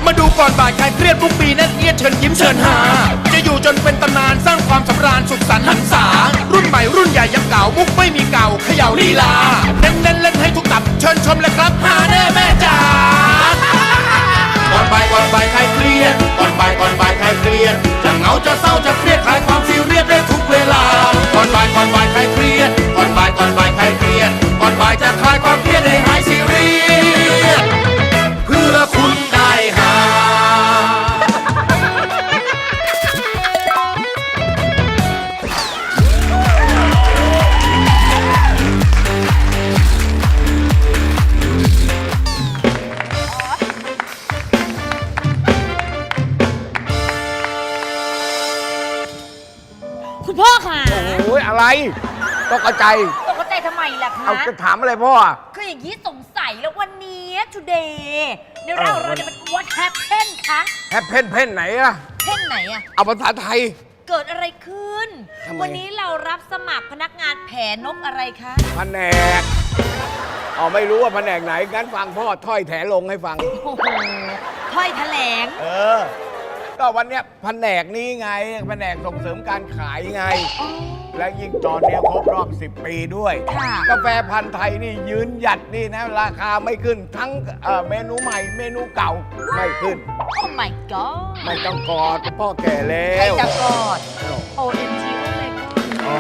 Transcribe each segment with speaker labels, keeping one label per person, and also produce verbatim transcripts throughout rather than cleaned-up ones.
Speaker 1: มาดูก่อนบ่ายใครเครียดทุกปีนั่นเอียดเชิญยิ้มเชิญหาจะอยู่จนเป็นตำนานสร้างความสำราญสุขสันต์หันษารุ่นใหม่รุ่นใหญ่ยังเก่ามุกไม่มีเก่าเขย่าลีลาเน้นเน้นเล่นให้ทุกตับเชิญชมเลยครับหาแน่แม่จ๋าก่อนบ่ายก่อนบ่ายใครเครียดก่อนบ่ายก่อนบ่ายใครเครียดจะเหงาจะเศร้าจะเครียดคลายความซีเรียสได้ทุกเวลาก่อนบ่ายก่อนบ่ายใครเครียดก่อนบ่ายก่อนบ่ายใครเครียดก่อนบ่ายจะคลายความเครียดให้หายซีเรียสเพื่อคุณได้หา
Speaker 2: คุณพ่อค่ะ
Speaker 3: โอ้ยอะไรตกใจ
Speaker 2: ตกใจทำไมล่ะคะ
Speaker 3: เอาจะถามอะไรพ่อ
Speaker 2: คืออย่างนี้สงสัยแล้ววันนี้ today ในเราเราจะเป็น what happened คะ
Speaker 3: แฮปเพ่นเพ่นไหนอะ
Speaker 2: เพ่นไหนอะ
Speaker 3: เอาภาษาไทย
Speaker 2: เกิดอะไรขึ้น
Speaker 3: ทำไม
Speaker 2: วันนี้เรารับสมัครพนักงานแผนนกอะไรคะ
Speaker 3: แผนกอ๋อไม่รู้ว่าแผนกไหนงั้นฟังพ่อถ้อยแถลงให้ฟัง
Speaker 2: โอ้โหถ้อยแถลง
Speaker 3: เออ ก็วันเนี้ยแผนกนี้ไงแผนกส่งเสริมการขายไง และยิ่งตอนเนี้ยครบรอบสิบปีด้วย
Speaker 2: ค่ะ
Speaker 3: กาแฟพันธุ์ไทยนี่ยืนหยัดนี่นะ ราคาไม่ขึ้นทั้งเอ่อเมนูใหม่เมนูเก่าไม่ขึ้น
Speaker 2: โอ้ my god
Speaker 3: ไม่ต้องกอดพ่อแก่แล้
Speaker 2: ใคร
Speaker 3: ว
Speaker 2: จะกอด โอ เอ็ม จี โอ้ my god
Speaker 3: อ๋อ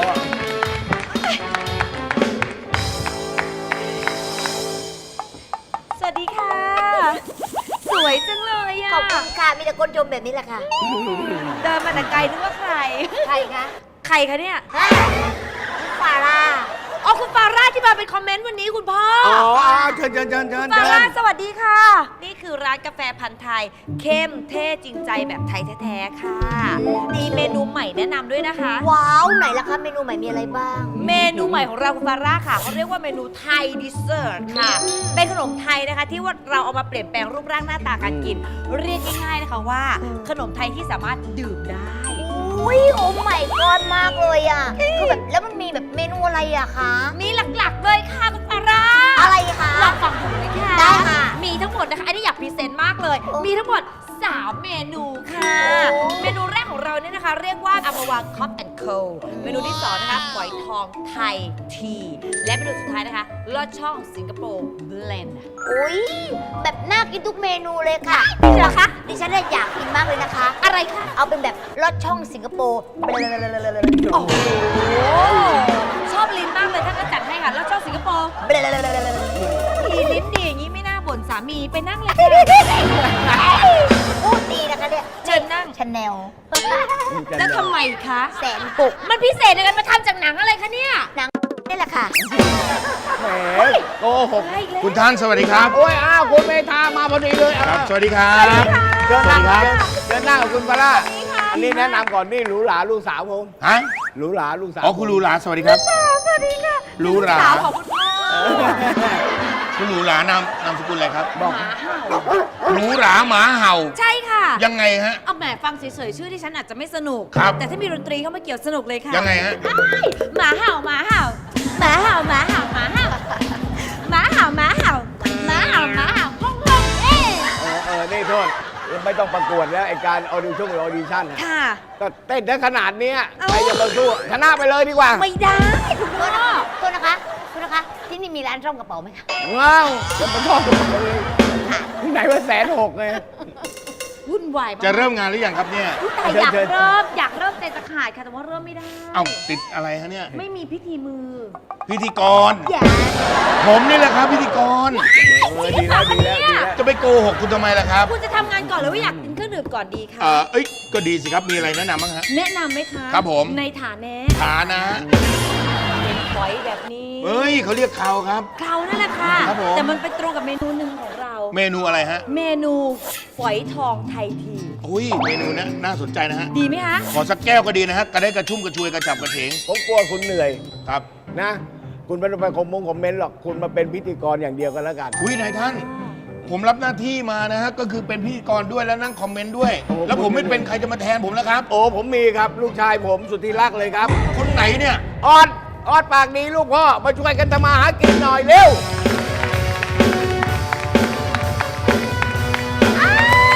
Speaker 2: สวัสดีค่ะ สวยจังเลยอะ
Speaker 4: ขอบคุณค่ะ มีแต่คนชมแบบนี้แหละค่ะ
Speaker 2: เดินมาแต่ไกลนึกว่าใคร
Speaker 4: ใครคะ
Speaker 2: ใครคะเนี่ย
Speaker 4: ฮะฟาร่า
Speaker 2: อ๋อคุณฟาร่าที่มาเป็นคอมเมนต์วันนี้คุณพ่อ
Speaker 3: อ๋อเชิญเชิญเชิญเชิญ
Speaker 2: ฟา
Speaker 3: เชิ
Speaker 2: ร่า
Speaker 3: ญ
Speaker 2: สวัสดีค่ะ นี่คือร้านกาแฟพันธุ์ไทย เข้มเท่จริงใจแบบไทยแท้ๆค่ะ มีเมนูใหม่แนะนำด้วยนะคะ
Speaker 4: ว้าว ไหนล่ะคะ เมนูใหม่มีอะไรบ้าง
Speaker 2: เมนูใหม่ของเราคุณฟาร่าค่ะเขาเรียกว่าเมนูไทยดิเซอร์ทค่ะ เป็นขนมไทยนะคะ ที่ว่าเราเอามาเปลี่ยนแปลงรูปร่างหน้าตาการกิน เรียกง่ายๆนะคะว่า ขนมไทยที่สามารถดื่มได้
Speaker 4: อุ้ยโอ้ใหม่กอนมากเลยอ่ะ คือแบบแล้วมันมีแบบเมนูอะไรอะคะ
Speaker 2: มีหลักๆเลยค่ะคุณฟาร่า
Speaker 4: อะไรคะ
Speaker 2: ลองฟังผมเลยค่ะ
Speaker 4: ได้ค่ะ
Speaker 2: มีทั้งหมดนะคะ อันนี้อยากพรีเซนต์มากเลย
Speaker 4: โอ้
Speaker 2: มีทั้งหมด สาม เมนูค่ะ
Speaker 4: โอ้
Speaker 2: เมนูแรกของเราเนี่ยนะคะ เรียกว่าอัมาวางคอฟแอนด์โคเมนูที่สองนะคะฝอยทองไทยที และเมนูสุดท้ายนะคะลอดช่องสิงคโปร์เบลนด์
Speaker 4: อุ้ยแบบน่ากินทุกเมนูเลยค่ะ
Speaker 2: นี่เหรอคะ
Speaker 4: ดิฉันเนี่ยอยากกินมากเลยนะคะ
Speaker 2: อะไรคะ
Speaker 4: เอาเป็นแบบลอดช่องสิงคโปร์
Speaker 2: โอ้โห ชอบลิ้นมากเลยท่านก็จัดให้ค่ะลอดช่องสิงคโปร์มีลิ้นดีอย่างนี้ไม่น่าบ่นสามีไปนั่งเลยค่ะ
Speaker 4: พูดดีนะคะเนี่ย
Speaker 2: เชิญนั่ง
Speaker 4: ชาแนล
Speaker 2: แล้วทำไมคะ
Speaker 4: แสนปุก
Speaker 2: มันพิเศษยังไงมาทำจากหนังอะไรคะเนี่ย
Speaker 4: หนังนี่แหละค่ะ
Speaker 3: แหมโกหก
Speaker 1: คุณท่านสวัสดีครับ
Speaker 3: โอ้ยอ้าวคุณเมธามาพอดีเลย
Speaker 1: ครับ
Speaker 3: อ่ะ
Speaker 1: สวัสดีครับ
Speaker 3: เชิญนั่ง
Speaker 1: สวัสดี
Speaker 3: ค
Speaker 1: ครั
Speaker 3: รับบ เชิญนั่งกับคุณปาร่าอันนี้แนะนำก่อนนี่หรูหราลูกสาวผม
Speaker 1: ฮะ
Speaker 3: หรูหราลูกสาว
Speaker 1: อ๋อคุณหรูหราสวัสดีครับ
Speaker 2: สวัสดีค่ะ
Speaker 1: หรูหรา
Speaker 2: สาวของคุณพ่อ
Speaker 1: คุณหรูหรานามนามสกุลอะไรครับ
Speaker 3: บอก
Speaker 2: หมาเห่า
Speaker 1: หรูหราหมาเห่า
Speaker 2: ใช่ค่ะ
Speaker 1: ยังไงฮะ
Speaker 2: เอาแหมฟังเฉยๆชื่อที่ฉันอาจจะไม่สนุก
Speaker 1: ครับ
Speaker 2: แต่ถ้ามีดนตรีเข้ามาเกี่ยวสนุกเลยค่ะ
Speaker 1: ยังไงฮะ
Speaker 2: หมาเห่าหมาเห่าหมาเห่าหมาเห่าหมาเห่าหมาเห่าหมาเห่าหมาเห่าหมาเห่าห้องห้องเอ๊ะ
Speaker 3: เออเออนี่โทษไม่ต้องประกวดแล้วไอการออดิชั่นหรือออดิชั่นน่ะ
Speaker 2: ค่ะ
Speaker 3: ก็เต้นได้ขนาดเนี้ย
Speaker 2: เอ้า
Speaker 3: ใครจะมาสู้ชนะไปเลยดีกว่า
Speaker 2: ไม่ได้คุณ
Speaker 4: โท
Speaker 2: พ่อ
Speaker 4: ษนะคะโทษนะคะโทษนะคะ ที่นี่มีร้านซ่อมกระเป๋าไหมคะ
Speaker 3: ว้าวจะมาชอบกันเลยที่ไหนว่าแสนหกไง
Speaker 2: วุ่นวายมาก
Speaker 1: จะเริ่มงานหรือยังครับเนี่ย
Speaker 2: อุ๊ยแต่อยาก
Speaker 3: เชิญ
Speaker 2: เริ่มอยากเริ่มใจจะขาดค่ะแต่ว่าเริ่มไม่ได้
Speaker 1: เอ้าติดอะไรฮะเนี่ย
Speaker 2: ไม่มีพิธีมือ
Speaker 1: พิธีกร
Speaker 2: อย่า
Speaker 1: ผมนี่แหละครับพิธีกร
Speaker 3: เออดีแล้วดีแล้วดีแล้ว
Speaker 1: จะไปโกหกคุณทำไมล่ะครับ
Speaker 2: คุณจะทำงานก่อนหรือว่าอยากกินเครื่องดื่มก่อนดีคะ
Speaker 1: เออเอ้ย ก็ดีสิครับ มีอะไรแนะนำบ้างฮะ
Speaker 2: แนะนำไหมคะ
Speaker 1: ครับผม
Speaker 2: ในฐานะ
Speaker 1: ฐานะ
Speaker 2: เป็นฝอยแบบนี้
Speaker 1: เฮ้ยเขาเรียกเขาครับ
Speaker 2: เขานั่นแหละค่ะ
Speaker 1: ครับผม
Speaker 2: แต่มันไปตรงกับเมนูหนึ่งของเรา
Speaker 1: เมนูอะไรฮะ
Speaker 2: เมนูฝอยทองไทยที
Speaker 1: อุ้ย เมนูนะน่าสนใจนะฮะ
Speaker 2: ดีไหมคะ
Speaker 1: ขอสักแก้วก็ดีนะฮะ กระได้กระชุ่มกระชวยกระจับกระเฉง
Speaker 3: ผมกลัวคุณเหนื่อย
Speaker 1: ครับ
Speaker 3: นะ คุณไม่ต้องไปคอมมงคอมเมนต์หรอกคุณมาเป็นพิธีกรอย่างเดียวกันแล้วกัน
Speaker 1: อุ้ยนายท่าน ผมรับหน้าที่มานะฮะ ก็คือเป็นพิธีกรด้วยแล้วนั่งคอมเมนต์ด้วย
Speaker 3: โอ้
Speaker 1: แล้วผมไม่เป็นใครจะมาแทนผมแล้วครับ
Speaker 3: โอ้ผมมีครับลูกชายผมสุดที่รักเลยครับ
Speaker 1: คนไหนเนี่ย
Speaker 3: ออดออดปากดีลูกพ่อมาช่วยกันทำมาหากินหน่อยเร็ว
Speaker 4: อ้าว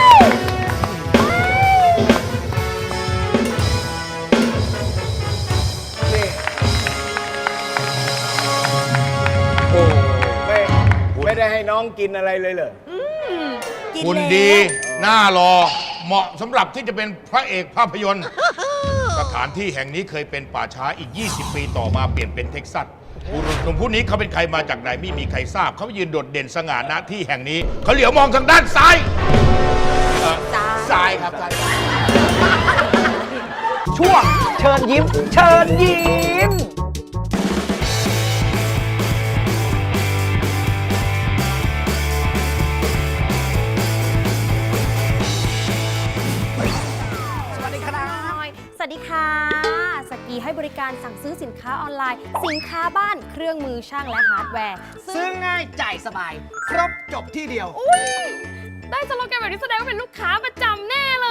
Speaker 3: องกินอะไรเลยเหรอ
Speaker 2: กิน
Speaker 1: คุณ
Speaker 2: แล้ว
Speaker 1: ดีหน้ารอเหมาะสำหรับที่จะเป็นพระเอกภาพยนตร์ สถานที่แห่งนี้เคยเป็นป่าช้าอีก ยี่สิบ ปีต่อมาเปลี่ยนเป็นเท็กซัสบุรุษหนุ่มผู้นี้เขาเป็นใครมาจากไหนไม่มีใครทราบ เขายืนโดดเด่นสง่าณที่แห่งนี้ เขาเหลียวมองทางด้านซ้ายเอ่อซ้ายครับซ้าย
Speaker 5: ช่วงเชิญยิ้ม เชิญยิ้ม สวัสดีครับ
Speaker 6: สวัสดีค่ะ สกีให้บริการสั่งซื้อสินค้าออนไลน์ สินค้าบ้านเครื่องมือช่างและฮาร์ดแวร์
Speaker 5: ซื้อง่ายจ่ายสบาย ครบจบที่เดียว
Speaker 6: ได้สโลแกนแบบนี้แสดงว่าเป็นลูกค้าประจำแน่เลย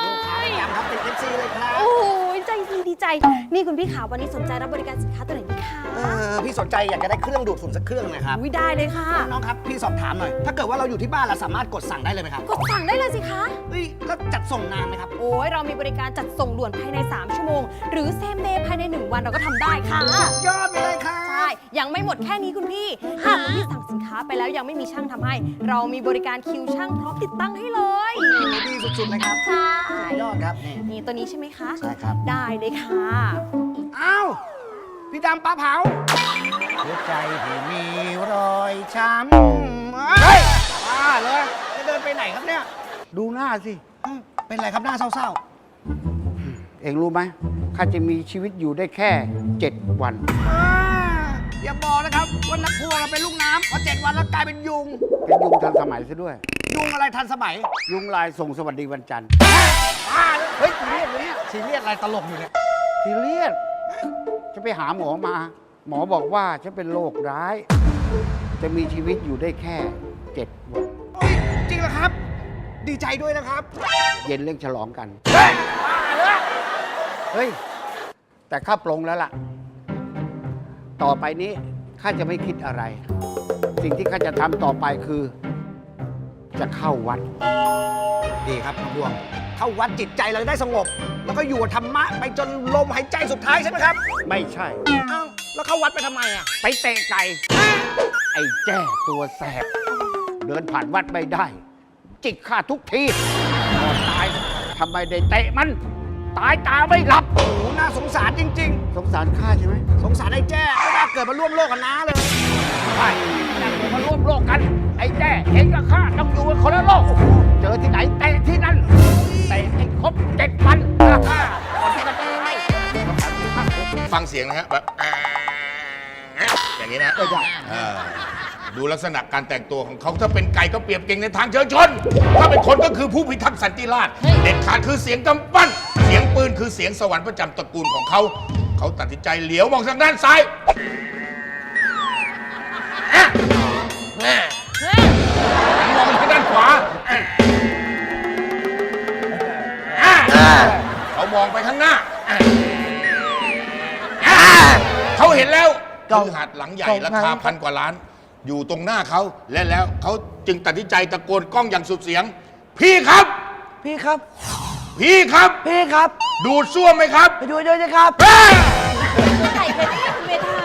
Speaker 5: ย้ำครับเป็น เอฟ ซี เลยครับ
Speaker 6: โอ้ยใจดีดีใจ นี่คุณพี่ขาวันนี้สนใจรับบริการสินค้าตัวไหนดีคะ
Speaker 5: เออพี่สนใจอยากจะได้เครื่องดูดฝุ่นสักเครื่องนะครับ
Speaker 6: วิได้เลยค่ะ
Speaker 5: น้องครับ พี่สอบถามหน่อย ถ้าเกิดว่าเราอยู่ที่บ้านเราสามารถกดสั่งได้เลยไหมครับ
Speaker 6: กดสั่งได้เลยสิคะ
Speaker 5: เฮ้ยแล้วจัดส่งนานไหมครับ
Speaker 6: โอ้ยเรามีบริการจัดส่งด่วนภายใน สาม ชั่วโมง หรือเซมเดย์ภายใน หนึ่ง วันเราก็ทำได้ค่ะ
Speaker 5: ยอดไปเลยครับ
Speaker 6: ใช่ ยังไม่หมดแค่นี้คุณพี่ หากคุณพี่สั่งสินค้าไปแล้วยังไม่มีช่างทำให้ เรามีบริการคิวช่างพร้อมติดตั้งให้เลย
Speaker 5: ดีสุดๆเลยครับ
Speaker 6: ใช่
Speaker 5: ยอดครับนี่
Speaker 6: นี่ตัวนี้ใช่ไหมคะ
Speaker 5: ใช่ครับ
Speaker 6: ได้เลยค่ะ
Speaker 5: อ้าวพี่ดำปลาเผาหัวใจที่มีรอยช้ำเฮ้ยบ้าเลยจะเดินไปไหนครับเนี่ย
Speaker 7: ดูหน้าสิ
Speaker 5: เอ้าเป็นไรครับหน้าเศร้า
Speaker 7: เองรู้ไหมข้าจะมีชีวิตอยู่ได้แค่เจ็ดวัน
Speaker 5: ๆอ่าอย่าบอกนะครับว่านักพวงเราเป็นลูกน้ำพอเจ็ดวันแล้วกลายเป็นยุง
Speaker 7: เป็นยุงทันสมัยซะด้วย
Speaker 5: ยุงอะไรทันสมัย
Speaker 7: ยุงลายส่งสวัสดีวันจันทร์
Speaker 5: บ้าเลยเฮ้ยซีเรียสเลยเนี่ยซีเรียสอะไรตลกอยู่เนี่ย
Speaker 7: ซีเรียสจะไปหาหมอมา หมอบอกว่าฉันเป็นโรคร้าย จะมีชีวิตอยู่ได้แค่เจ็ดวัน
Speaker 5: เฮ้ยจริงเหรอครับ ดีใจด้วยนะครับ
Speaker 7: เย็นเรื่องฉลองกัน
Speaker 5: เฮ้ยบ้าเลย
Speaker 7: เฮ้ย แต่ข้าปลงแล้วล่ะ ต่อไปนี้ข้าจะไม่คิดอะไร สิ่งที่ข้าจะทำต่อไปคือ จะเข้าวัด
Speaker 5: ดีครับนักพวงเข้าวัดจิตใจเราได้สงบ แล้วก็อยู่กับธรรมะไปจนลมหายใจสุดท้ายใช่ไหมครับ
Speaker 7: ไม่ใช่
Speaker 5: เอ้าแล้วเข้าวัดไปทำไมอ่ะ
Speaker 7: ไปเตะไก่ ไอ้แจ้ตัวแสบ เดินผ่านวัดไม่ได้ จิกข้าทุกทีก่อนตายทำไมได้เตะมัน ตายตาไม่หลับ
Speaker 5: โอ้โหน่าสงสารจริง
Speaker 7: สงสารข้าใช่ไหม
Speaker 5: ๆ สงสารไอ้แจ้ไม่น่าเกิดมาร่วมโลกกับน้าเลย
Speaker 7: ใช่นั่นเดี๋ยวมาร่วมโลกกัน ไอ้แจ้เองกับข้าต้องอยู่กันคนละโลก เจอที่ไหนเตะที่นั่น เตะให้ครบเจ็ดวันก่อนที่จะตาย
Speaker 1: ฟังเสียงนะฮะแบบอย่างนี้นะเออดูลักษณะการแต่งตัวของเขาถ้าเป็นไก่ก็เปรียบเก่งในทางเชิงชน ถ้าเป็นคนก็คือผู้พิทักษ์สันติราษฎร์เด็ดขาดคือเสียงกำปั้น เสียงปืนคือเสียงสวรรค์ประจำตระกูลของเขา เขาตัดสินใจเหลียวมองทางด้านซ้ายอ่ะแม่มองทางด้านขวาอ่ะอ่ะเขามองไปข้างหน้าอ่ะอ่ะเขาเห็นแล้วคือหาดหลังใหญ่ราคาพันกว่าล้าน อยู่ตรงหน้าเขาและแล้วเขาจึงตัดสินใจตะโกนกล้องอย่างสุดเสียง พี่ครับ
Speaker 5: พี่ครับ
Speaker 1: พี่ครับ
Speaker 5: พี่ครับ
Speaker 1: ดูดซ่วมไหมครับ
Speaker 5: ไปดูด้วยนะครับ
Speaker 1: เฮ้ย
Speaker 2: ไก่เป็นเมทา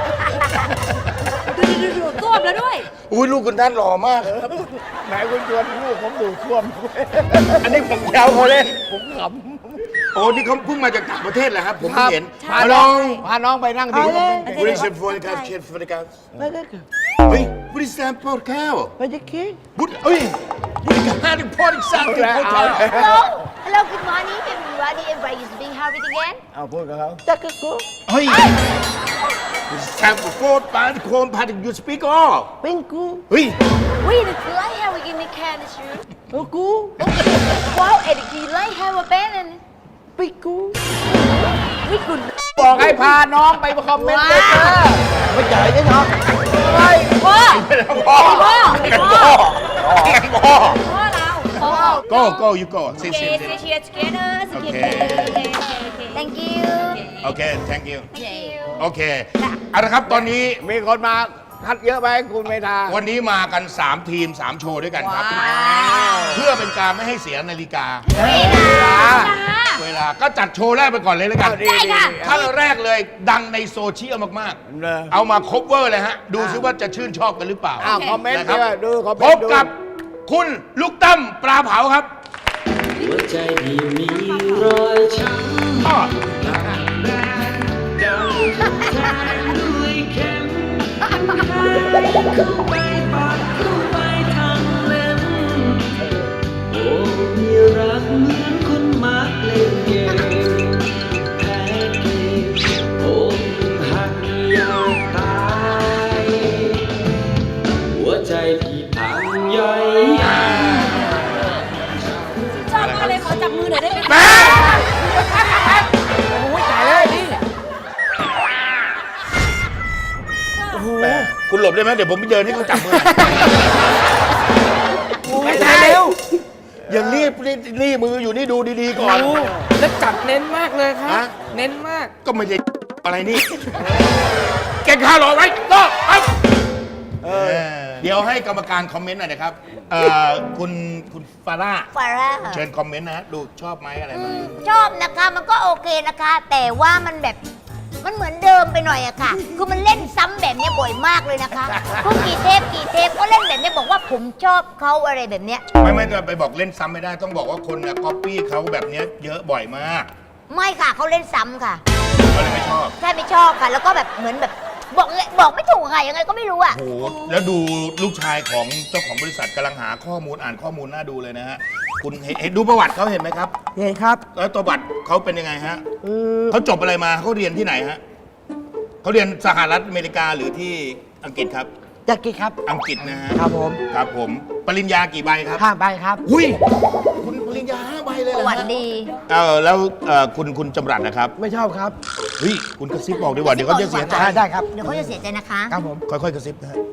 Speaker 2: ดูดูดูก้มแล้วด้วย
Speaker 1: อุ้ยลูกคุณท่านหล่อมาก
Speaker 3: ไหนคุณชวนลูกผมดูท่วม
Speaker 1: อันนี้ผมแซวเขาเล่น
Speaker 3: ผมข
Speaker 1: โอ้นี่เขาเพิ่งมาจากต่างประเทศเหรอครับ ผม
Speaker 3: ำ
Speaker 1: เพิ่งเห็น
Speaker 2: ใช่
Speaker 3: พาน้องพาน้องไปนั่งที่ผม
Speaker 1: บริษัทฟอร์การเชฟฟอร์การเฮ้ยบริษัทพอดแคสต์
Speaker 3: ไปจะคิด
Speaker 1: บุตรเอ้ยบริการที่พอดอีกสักที่พอดแคสต์
Speaker 4: Hello Hello good morning everybody everybody is being how it again
Speaker 3: เอาพูดกับเขา
Speaker 1: เฮ้ยบริษัทโฟร์ดปาร์ตโคมพาร์ตยูสปีกออ
Speaker 3: เป็นกู
Speaker 1: เฮ้ย
Speaker 4: Wait the light have we in the can is you
Speaker 3: เป็นกู
Speaker 4: Wow Eddie the light have a band and
Speaker 3: เป็นกู
Speaker 4: วิคุณ
Speaker 3: บอกให้พาน้องไปคอมเมนต์เลยจ้าไม่จ่ายใช่ไหมไม่
Speaker 2: พ่อ
Speaker 1: พ่อ
Speaker 2: พ่อ
Speaker 1: พ่อพ่อ
Speaker 2: พ่อเราพ่อ
Speaker 1: go go you go ซิ
Speaker 2: โอเค
Speaker 1: ซิ
Speaker 2: เชียร์ together สเก็ต
Speaker 1: โอเค
Speaker 2: โอเคโอเคโอเค
Speaker 4: Thank you
Speaker 1: โอเค thank you
Speaker 2: โอเค
Speaker 1: โอเคเอาละครับตอนนี้
Speaker 3: มีคนมาคัดเยอะไปคุณเมธา
Speaker 1: วันนี้มากัน สาม ทีม สาม โชว์ด้วยกันครับ
Speaker 2: ว้าว
Speaker 1: เพื่อเป็นการไม่ให้เสียนาฬิกา
Speaker 2: ค่ะ
Speaker 1: เวลาก็จัดโชว์แรกไปก่อนเลยแล้วกัน
Speaker 3: ดีดี
Speaker 1: ท่านแรกเลยดังในโซเชียลมาก
Speaker 3: เลย
Speaker 1: ๆ เอามาคบเวอร์เลยฮะ ดูซิว่าจะชื่นชอบกันหรือเปล่า
Speaker 3: อ้าวคอมเมนต์
Speaker 1: นะค
Speaker 3: ด้
Speaker 1: รั
Speaker 3: วยดูคอมเม
Speaker 1: พ
Speaker 3: น
Speaker 1: บ
Speaker 3: ต์ดู
Speaker 1: กับคุณลูกตั้มปลาเผาครับ
Speaker 8: หัวใจที่มีรอยช้ำ
Speaker 1: อ้อ
Speaker 8: ดังถูกแทงด้วยเข็มเข้าไปปาดเข้าไปทางเล็บโอ้มีรักเหมือนคนมักเล่นเกมแพ้เกมโอ้หักอยากตายหัวใจที่พังย่อยยับ
Speaker 2: ชอบมากเลยขอจับมือหน่อยได้ไหม
Speaker 1: แม่
Speaker 5: โอ้ยตายเลยนี่
Speaker 1: แม่คุณหลบได้ไหมเดี๋ยวผมไปเดินให้เขาจับมือ
Speaker 5: ไม่ตายเร็ว
Speaker 1: อย่ารีบรีบรีบมืออยู่นี่ดูดีๆก่อน
Speaker 5: แล้วจับเน้นมากเลยครับ
Speaker 1: ฮะ
Speaker 5: เน้นมาก
Speaker 1: ก็ไม่ได้อะไรนี่ เก็บค่ารอไว้ก็ปั๊บเดี๋ยวให้กรรมการคอมเมนต์หน่อยนะครับเอ่อคุณคุณฟาร่า
Speaker 4: ฟาร่า
Speaker 1: เชิญคอมเมนต์นะฮะดูชอบไหมอะไรไหม
Speaker 4: ชอบนะคะมันก็โอเคนะคะ แต่ว่ามันแบบมันเหมือนเดิมไปหน่อยอะค่ะ คือมันเล่นซ้ำแบบเนี้ยบ่อยมากเลยนะคะทุกกี่เทปกี่เทปก็เล่นแบบเนี้ยบอกว่าผมชอบเขาอะไรแบบเนี้ย
Speaker 1: ไม่ไม่จะไปบอกเล่นซ้ำไม่ได้ต้องบอกว่าคนก๊อปปี้เขาแบบเนี้ยเยอะบ่อยมาก
Speaker 4: ไม่ค่ะเขาเล่นซ้ำค่ะ
Speaker 1: ก็เลยไม่ชอบ
Speaker 4: ใช่ไม่ชอบค่ะ แล้วก็แบบเหมือนแบบบอกไงบอกไม่ถูกค่ะยังไงก็ไม่รู้อะ
Speaker 1: โอ้โหแล้วดูลูกชายของเจ้าของบริษัทกำลังหาข้อมูลอ่านข้อมูลน่าดูเลยนะฮะคุณเห็นเห็นดูประวัติเขาเห็นไหมครับ
Speaker 5: เห็นครับ
Speaker 1: แล้วตัวบัตรเขาเป็นยังไงฮะ
Speaker 5: เออ
Speaker 1: เขาจบอะไรมาเขาเรียนที่ไหนฮะเขาเรียนสหรัฐอเมริกาหรือที่อังกฤษครับ
Speaker 5: อยากกินครับ
Speaker 1: อังกฤษนะฮะ
Speaker 5: ครับผม
Speaker 1: ครับผมปริญญากี่ใบครับ
Speaker 5: ห้าใบครับ
Speaker 1: อุ้ยคุณปริญญาห้าใบเลย
Speaker 4: ป
Speaker 1: เหร
Speaker 4: ระ
Speaker 1: อ
Speaker 4: วัติ
Speaker 1: ฮะ
Speaker 4: ดี
Speaker 1: เออแล้วเอ่อคุณคุณจำรัดนะครับ
Speaker 5: ไม่ชอบครับ
Speaker 1: เฮ้ยคุณกระซิบบอกดีกว่าเดี๋ยวเขาจะเสียใจ
Speaker 5: ได้ได้ครับ
Speaker 4: เดี๋ยวเขาจะเสียใจนะคะ
Speaker 5: ครับผม
Speaker 1: ค่อยๆกระซิบนะฮะ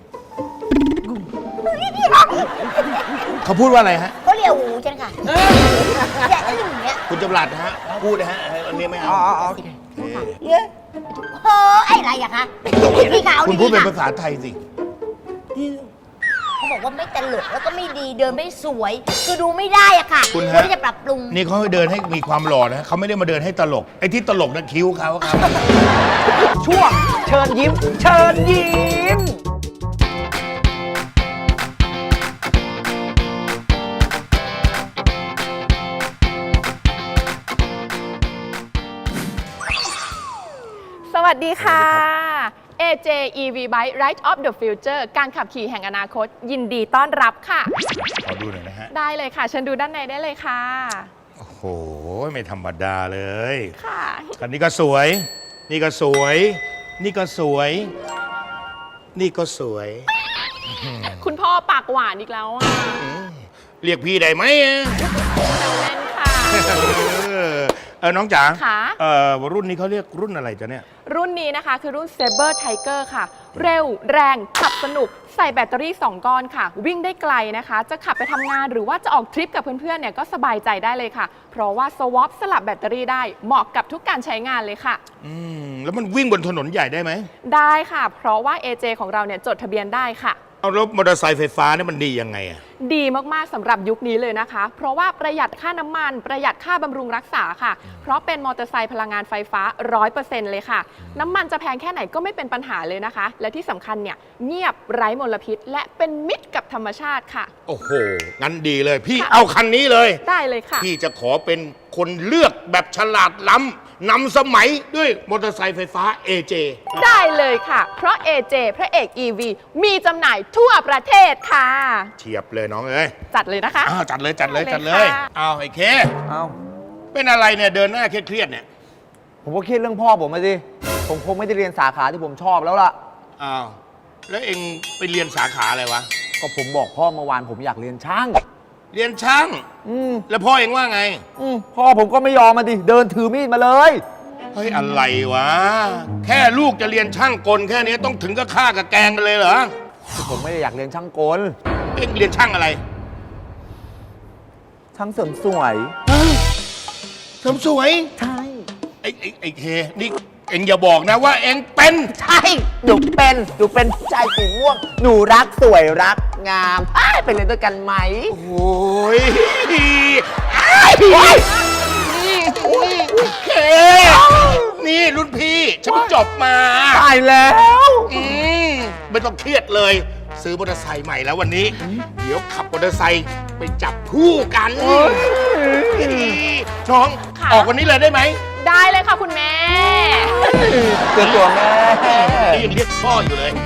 Speaker 1: เขาพูดว่าอะไรฮะ
Speaker 4: เขาเรียกหูฉันค่ะอย่าอึ้งอย่างเงี้ย
Speaker 1: คุณจำรัดนะฮะพูดนะฮะอันนี้ไม่เอา
Speaker 5: อ๋ออ๋ออ๋อโอเค
Speaker 1: โอเค
Speaker 4: เยอะโอ้ไอ้อะไรอะคะพี่ขาว
Speaker 1: คุณ
Speaker 4: ดี
Speaker 1: พูดเป็น
Speaker 4: ค่ะ
Speaker 1: ภาษาไทยสิ
Speaker 4: เขาบอกว่าไม่ตลกแล้วก็ไม่ดีเดินไม่สวย คือดูไม่ได้อะค่ะ
Speaker 1: คุณ
Speaker 4: ว
Speaker 1: ฮะ
Speaker 4: รที่จะปรับปรุง
Speaker 1: นี่เขาเดินให้มีความหล่อนะเขาไม่ได้มาเดินให้ตลกไอ้ที่ตลกนั่นคิ้วเขาครับ
Speaker 5: ช่วงเชิญยิ้ม เชิญยิ้ม
Speaker 9: สวัสดีค่ะ เอ เจ อี วี Bike Ride of the Future การขับขี่แห่งอนาคต ยินดีต้อนรับค่ะ
Speaker 1: ขอดูหน่อยนะฮะ
Speaker 9: ได้เลยค่ะ เชิญดูด้านในได้เลยค่ะ
Speaker 1: โอ้โห ไม่ธรรมดาเลย
Speaker 9: ค่ะ
Speaker 1: คันนี้ก็สวย นี่ก็สวย นี่ก็สวย นี่ก็สวย
Speaker 9: คุณพ่อปากหวานอีกแล้วอ่ะ
Speaker 1: เรียกพี่ได้ไหมอะ
Speaker 9: เล่นค่ะ
Speaker 1: เออเออน้องจ๋า
Speaker 9: ค่ะ
Speaker 1: เออรุ่นนี้เขาเรียกรุ่นอะไรจ๊ะเนี่ย
Speaker 9: รุ่นนี้นะคะคือรุ่น Saber Tiger ค่ะ เร็วแรงขับสนุก ใส่แบตเตอรี่ สอง ก้อนค่ะ วิ่งได้ไกลนะคะ จะขับไปทำงานหรือว่าจะออกทริปกับเพื่อนๆเนี่ยก็สบายใจได้เลยค่ะ เพราะว่าสวอปสลับแบตเตอรี่ได้เหมาะกับทุกการใช้งานเลยค่ะ
Speaker 1: อืม แล้วมันวิ่งบนถนนใหญ่ได้ไหม
Speaker 9: ได้ค่ะ เพราะว่า เอ เจ ของเราเนี่ยจดทะเบียนได้ค่ะ
Speaker 1: เอารถมอเตอร์ไซค์ไฟฟ้าเนี่ยมันดียังไงอะ
Speaker 9: ดีมาก ๆ สำหรับยุคนี้เลยนะคะ เพราะว่าประหยัดค่าน้ำมัน ประหยัดค่าบำรุงรักษาค่ะ เพราะเป็นมอเตอร์ไซค์พลังงานไฟฟ้า ร้อยเปอร์เซ็นต์ เลยค่ะ น้ำมันจะแพงแค่ไหนก็ไม่เป็นปัญหาเลยนะคะ และที่สำคัญเนี่ยเงียบไร้มลพิษ และเป็นมิตรกับธรรมชาติค่ะ
Speaker 1: โอ้โห งั้นดีเลย พี่
Speaker 9: ค่ะ
Speaker 1: เอาคันนี้เลย
Speaker 9: ได้เลยค่ะ
Speaker 1: พี่จะขอเป็นคนเลือกแบบฉลาดล้ำนำสมัยด้วยมอเตอร์ไซค์ไฟฟ้า เอ เจ
Speaker 9: ได้เลยค่ะ เพราะ เอ เจ พระเอก อี วี มีจำหน่ายทั่วประเทศค่ะ
Speaker 1: เทียบเลยน้องเอ้ย
Speaker 9: จัดเลยนะคะ
Speaker 1: อ้าวจัดเลยจัดเลย
Speaker 9: ได้เลย
Speaker 1: จัดเลย
Speaker 9: ค่ะ
Speaker 1: เอาไอ้เค
Speaker 10: เอา
Speaker 1: เป็นอะไรเนี่ยเดินหน้าเครียดๆเนี่ย
Speaker 10: ผมก็คิดเรื่องพ่อผมมาสิ ผมคงไม่ได้เรียนสาขาที่ผมชอบแล้วล่ะ
Speaker 1: อ้าว แล้วเองไปเรียนสาขาอะไรวะ
Speaker 10: ก็ผมบอกพ่อเมื่อวานผมอยากเรียนช่าง
Speaker 1: เรียนช่าง
Speaker 10: อืม
Speaker 1: แล้วพ่อเองว่าไง
Speaker 10: อืมพ่อผมก็ไม่ยอมมาดิ เดินถือมีดมาเลย
Speaker 1: เฮ้ยอะไรวะ แค่ลูกจะเรียนช่างกลแค่นี้ต้องถึงกับฆ่ากับแกล้งกันเลยเหรอ
Speaker 10: ผมไม่ได้อยากเรียนช่างกล
Speaker 1: เองเรียนช่างอะไร
Speaker 10: ช่างเสริมสวย
Speaker 1: เสริมสวย
Speaker 10: ใช่
Speaker 1: ไอ้ไอ้ไอ้เค นี่เอ็งอย่าบอกนะว่าเอ็งเป็น
Speaker 10: ใช่หนูเป็นหนูเป็นผู้ชายสีม่วง หนูรักสวยรักงามอ้ายไปเล่นด้วยกันไหม
Speaker 1: โอ้ยโอเค นี่รุ่นพี่ฉันเพิ่งจบมา
Speaker 10: ตายแล้ว
Speaker 1: อืมไม่ต้องเครียดเลย ซื้อมอเตอร์ไซค์ใหม่แล้ววันนี้ เดี๋ยวขับมอเตอร์ไซค์ไปจับคู่กันน้อง
Speaker 9: ค่ะ
Speaker 1: ออกวันนี้เลยได้ไหม
Speaker 9: ได้เลยค่ะคุณแม่
Speaker 10: เจอตัวแม่
Speaker 1: นี่ยังเรียกพ่ออยู่เลย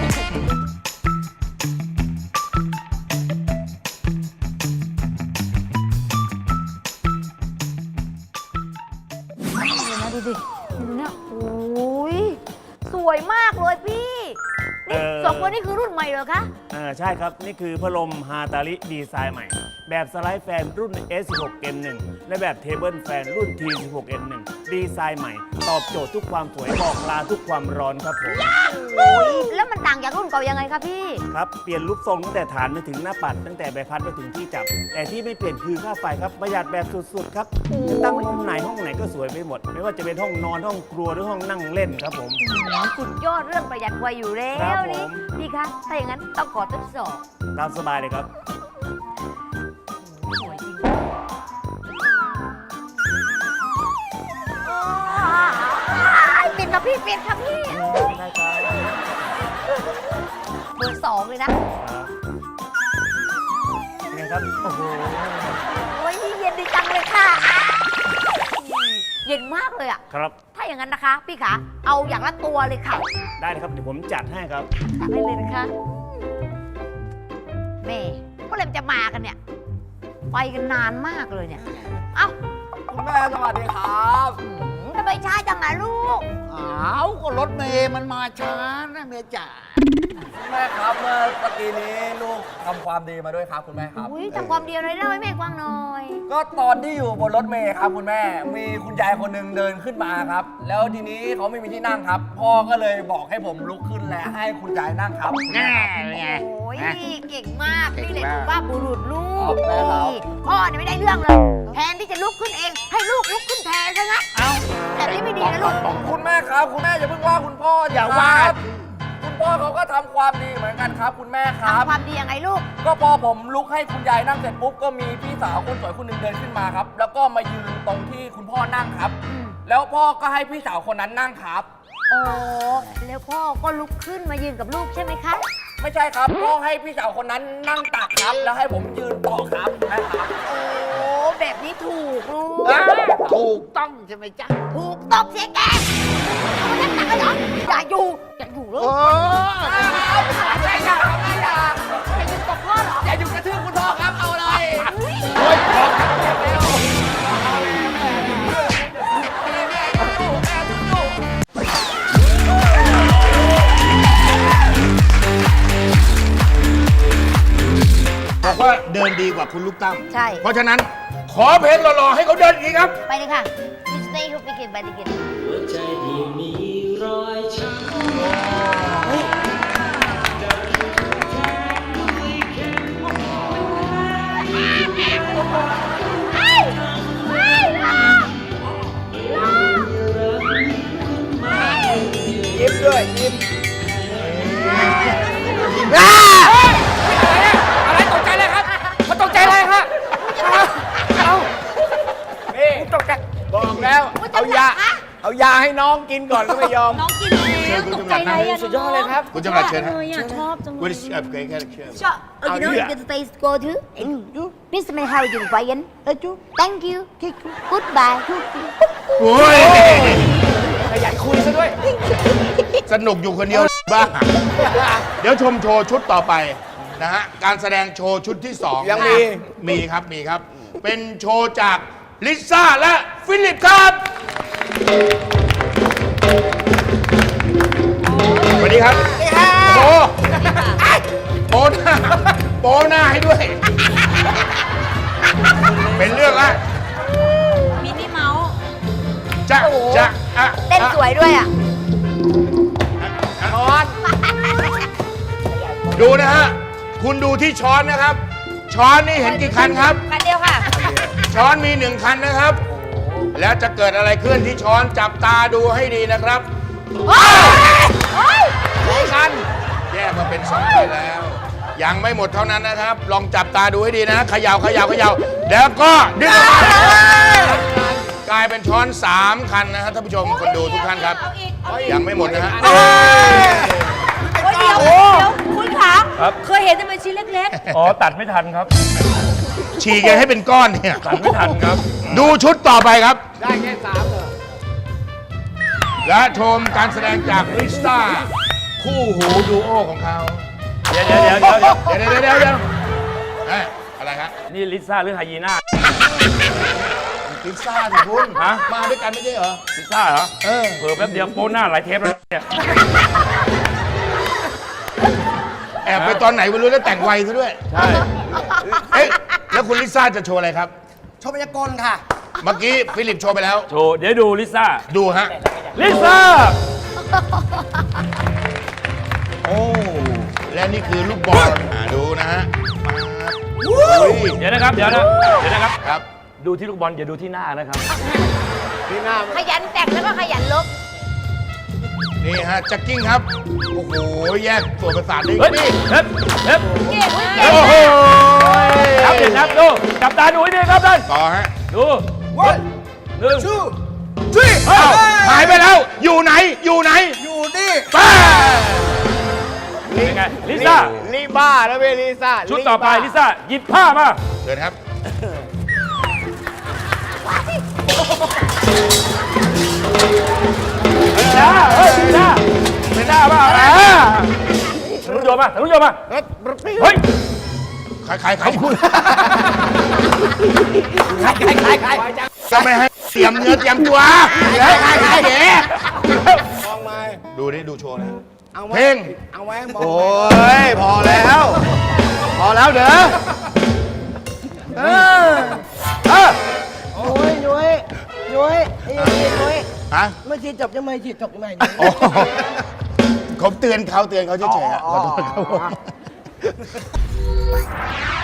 Speaker 4: ดูดิดูเนี่ยโอ้ยสวยมากเลยพี่นี่
Speaker 11: เอ่อ
Speaker 4: สองคนนี่คือรุ่นใหม่เหรอคะ
Speaker 11: อ่าใช่ครับ นี่คือพัดลมฮาตาริดีไซน์ใหม่ แบบสไลด์แฟนรุ่น เอส สิบหก เอ็น หนึ่ง และแบบเทเบิลแฟนรุ่น ที สิบหก เอ็น หนึ่ง ดีไซน์ใหม่ ตอบโจทย์ทุกความสวยบอกลาทุกความร้อนครับผม
Speaker 4: โอ้ยแล้วมันต่างจากรุ่นเก่ายังไงคะพี่
Speaker 11: ครับ เปลี่ยนรูปทรงตั้งแต่ฐานไปถึงหน้าปัด ตั้งแต่ใบพัดไปถึงที่จับ แต่ที่ไม่เปลี่ยนคือค่าไฟครับ ประหยัดแบบสุดๆครับตั้งมุมไหนห้องไหนก็สวยไปหมด ไม่ว่าจะเป็นห้องนอนห้องครัวหรือห้องนั่งเล่นครับผม
Speaker 4: สุดยอดเรื่องประหยัดไฟอยู่แล้
Speaker 11: ครั
Speaker 4: ว
Speaker 11: บผม
Speaker 4: นี่พี่คะถ้าอย่างนั้นต้องขอทดสอบ
Speaker 11: ตามสบายเลยครับ
Speaker 4: สวยจริงปิดครับพี่ปิดครับพี่เบอร์สองเลยนะ
Speaker 11: เป็นไงครับ โอ้โห
Speaker 4: โอ้ยเย็นดีจังเลยค่ะ เย็นมากเลยอะ
Speaker 11: ครับ
Speaker 4: ถ้าอย่างนั้นนะคะ พี่ขาเอาอย่างละตัวเลยค่ะ
Speaker 11: ได้เลยครับ เดี๋ยวผมจัดให้ครับ
Speaker 4: จัดให้เลยนะคะแม่เมื่อไหรมันจะมากันเนี่ย ไปกันนานมากเลยเนี่ย เอ้า
Speaker 10: คุณแม่สวัสดีครับ
Speaker 4: หืมทำไมช้าจังอะลูก
Speaker 7: อ้าวก็รถเมย์มันมาช้านะเมย์จ๋า
Speaker 10: คุณแม่ครับเมื่อตะกี้นี้ลูกทำความดีมาด้วยครับคุณแม่ครับ
Speaker 4: อุ้ยทำความเดียวเลยเล่าให้แม่ฟังหน่อย
Speaker 10: ก็ตอนที่อยู่บนรถเมล์ครับคุณแม่ มีคุณยายคนหนึ่งเดินขึ้นมาครับ แล้วทีนี้เขาไม่มีที่นั่งครับ พ่อก็เลยบอกให้ผมลุกขึ้นและให้คุณยายนั่งครับ
Speaker 7: แน่ไง
Speaker 4: โอ้ย
Speaker 7: นะ
Speaker 4: เก่งมาก
Speaker 7: เก่ง
Speaker 4: นี่แหละ
Speaker 7: มาก
Speaker 4: ถือว่าบุรุษลู
Speaker 10: ขอก บคุณครับ
Speaker 4: นี่พ่อเนี่ยไม่ได้เรื่องเลย แทนที่จะลุกขึ้นเอง ให้ลูกลุกขึ้นแทนซะงั้นเอาแต่นี่ไม่ดีนะลูก
Speaker 10: คุณแม่ครับ คุณแม่อย่าเพิ่งว่าคุณพ่อ
Speaker 7: อย่าว่า
Speaker 10: ครับคุณพ่อเขาก็ทำความดีเหมือนกันครับ คุณแม่ครับ
Speaker 4: ทำความดียังไงลูก
Speaker 10: ก็พอผมลุกให้คุณยายนั่งเสร็จปุ๊บก็มีพี่สาวคนสวยคนหนึ่งเดินขึ้นมาครับ แล้วก็มายืนตรงที่คุณพ่อนั่งครับ แล้วพ่อก็ให้พี่สาวคนนั้นนั่งครับ
Speaker 4: โอ้แล้วพ่อก็ลุกขึ้นมายืนกับลูกใช่ไหมคะ
Speaker 10: ไม่ใช่ครับพ่อให้พี่สาวคนนั้นนั่งตักครับ แล้วให้ผมยืนต่อครับนะครับ
Speaker 4: โอ้แบบนี้ถูกลูก
Speaker 7: ถูกต้องใช่ไหมจ๊ะ
Speaker 4: ถูกต้องเสียแกเอามานั่งตักกันเหรออย่าอยู่อย่าอยู่ลูก
Speaker 7: โอ้
Speaker 10: ไม่ใช่ครับไม่ใช่
Speaker 4: อย่าอยู่กับพ่อเหรอ
Speaker 10: อย่าอยู่กระทืบคุณพ่อครับเอาเลย
Speaker 1: บอกว่าเดินดีกว่าคุณลูกตั้ม
Speaker 4: ใช่
Speaker 1: เพราะฉะนั้น ขอเพลงหล่อๆให้เขาเดินอีกครับ
Speaker 4: ไปเลยค่ะ You stay here begin by begin
Speaker 8: หัวใจที่มีรอยช้ำ
Speaker 3: ยิ้มด้วยยิ้ม
Speaker 10: อะไรตกใจเลยครับมันตกใจเลยครับเอา
Speaker 3: นี่ตกใจบอกแล้ว เอายา เอายาให้น้องกินก่อนก็ไม่ยอม
Speaker 2: น้องกินแล้วตกใจอะไรอะ
Speaker 3: สุดยอดเลยครับ
Speaker 1: คุณจำรัดเชิญฮะ
Speaker 2: ชอบจังเลย
Speaker 1: What is uh, okay, okay, okay.
Speaker 4: ชอบ Oh, you know, you can stay go to. Please may how you Brian. Thank you. Goodbye.
Speaker 1: โอ้ย
Speaker 3: ขยันคุยซะด้วย
Speaker 1: สนุกอยู่คนเดียวบ้า เดี๋ยวชมโชว์ชุดต่อไปนะฮะ การแสดงโชว์ชุดที่สอง
Speaker 3: ยังมี
Speaker 1: มีครับ มีครับ เป็นโชว์จากลิซ่าและฟิลิปครับสวัสดีครับโอ้โหโปหน้าโปหน้าให้ด้วย เป็นเรื่องละ
Speaker 2: มินิเมาส์
Speaker 1: จะจะอะ
Speaker 4: เต้นสวยด้วยอ่ะ
Speaker 1: ช้อน ดูนะฮะ คุณดูที่ช้อนนะครับ ช้อนนี่เห็นกี่คันครับ
Speaker 2: คันเดียวค่ะ
Speaker 1: ช้อนมีหนึ่งคันนะครับ แล้วจะเกิดอะไรขึ้นที่ช้อนจับตาดูให้ดีนะครับ
Speaker 3: กัน
Speaker 1: แยกมาเป็นสองไปแล้ว ยังไม่หมดเท่านั้นนะครับ ลองจับตาดูให้ดีนะเขย่าเขย่าเขย่าแล้วก็ดึงออกมากลายเป็นช้อนสามคันนะฮะท่านผู้ชมคนดูทุกท่านครับ
Speaker 2: เอาอีกเอาอีก
Speaker 1: ยังไม่หมดนะฮะ
Speaker 2: โอ้ยเดี๋ยวเดี๋ยวคุณขาเคยเห็นแต่เป็นชิ้นเล็ก
Speaker 11: อ๋อ ตัดไม่ทันครับ
Speaker 1: ฉีกกันให้เป็นก้อนเนี่ย
Speaker 11: ตัดไม่ทันครับ
Speaker 1: ดูชุดต่อไปครับ
Speaker 3: ได้แค่สามเหรอ
Speaker 1: และชมการแสดงจากริสตาคู่หูดูโอของเขา
Speaker 11: เดี๋ยวเดี๋ยวเดี๋ยวเดี๋ยว
Speaker 1: เดี๋ยวเดี๋ยวเดี๋ยวเดี๋ยวเอ้ยอะไรครับ
Speaker 11: นี่ลิซ่าหรือไฮยีน่า
Speaker 1: ลิซ่าสิคุณ
Speaker 11: ฮะ
Speaker 1: มาด้วยกันไม่ใช่เหรอ
Speaker 11: ลิซ่าเหรอ
Speaker 1: เออ
Speaker 11: เผลอแป๊บเดียวโป้หน้าหลายเทปแล้วเนี่ย
Speaker 1: แอบไปตอนไหนไม่รู้แล้วแต่งไวซะด้วย
Speaker 11: ใช่
Speaker 1: เอ๊ะแล้วคุณลิซ่าจะโชว์อะไรครับ
Speaker 5: โชว์พยากรณ์ค่ะ
Speaker 1: เมื่อกี้ฟิลิปโชว์ไปแล้ว
Speaker 11: โชว์เดี๋ยวดูลิซ่า
Speaker 1: ดูฮะ
Speaker 11: ลิซ่า
Speaker 1: โอ้ และนี่คือลูกบอลอ่าดูนะฮะมาอุ้ย
Speaker 11: เดี๋ยวนะครับ เดี๋ยวนะ เดี๋ยวนะครับ
Speaker 1: ครับ
Speaker 11: ดูที่ลูกบอลอย่าดูที่หน้านะครับ
Speaker 3: ที่หน้า
Speaker 4: ขยันแต่งแล้วก็ขยันลบ
Speaker 1: นี่ฮะแจ็คกิ้งครับ โอ้โห แยกส่วนประสาทได้
Speaker 11: เฮ้ย
Speaker 1: นี่
Speaker 11: เฮ้ยเฮ้ย
Speaker 2: ๆ เก่งมาก
Speaker 1: โอ้โห
Speaker 11: ครับเดี๋ยวครับดูจับตาดูให้ดีครับท่าน
Speaker 1: ต่อฮะ
Speaker 11: ดูหนึ่ง
Speaker 3: ชื่อ
Speaker 1: เอ้าหายไปแล้ว อยู่ไหน อยู่ไหน
Speaker 3: อยู่นี่
Speaker 1: ป้า
Speaker 11: เป็นไง ลิซ่า
Speaker 3: ลิบ้าแล้วเวยลิซ่า
Speaker 11: ชุดต่อไปลิซ่า หยิบผ้ามา
Speaker 1: เชิญครับ
Speaker 11: ลิซ่าเฮ้ยลิซ่าลิซ่ามาอ่าทะลุโยมมาทะลุโยมมาเฮ้ย
Speaker 1: ใครใครใครคุณ
Speaker 3: ใครใครใคร
Speaker 1: จะไม่ให้เตรียมเนื้อเตรียมตัวใครใครใครเดี๋ยว
Speaker 3: มองมา
Speaker 1: ดูนี่ดูโชว์นะ
Speaker 3: เอา
Speaker 1: เพลง
Speaker 3: เอาไว้มองโอ้ย พอแล้ว พอแล้วเด้อเออ
Speaker 1: เออ
Speaker 5: ยุ้ยยุ้ยยุ้ยไอ้ยุ้ยยุ้ย
Speaker 1: ฮะ
Speaker 5: ไม่ฉีดจบยังไม่ฉีดจบยังไม่
Speaker 1: อ๋อผมเตือนเขาเตือนเขาเฉยๆฮะขอโทษครับผม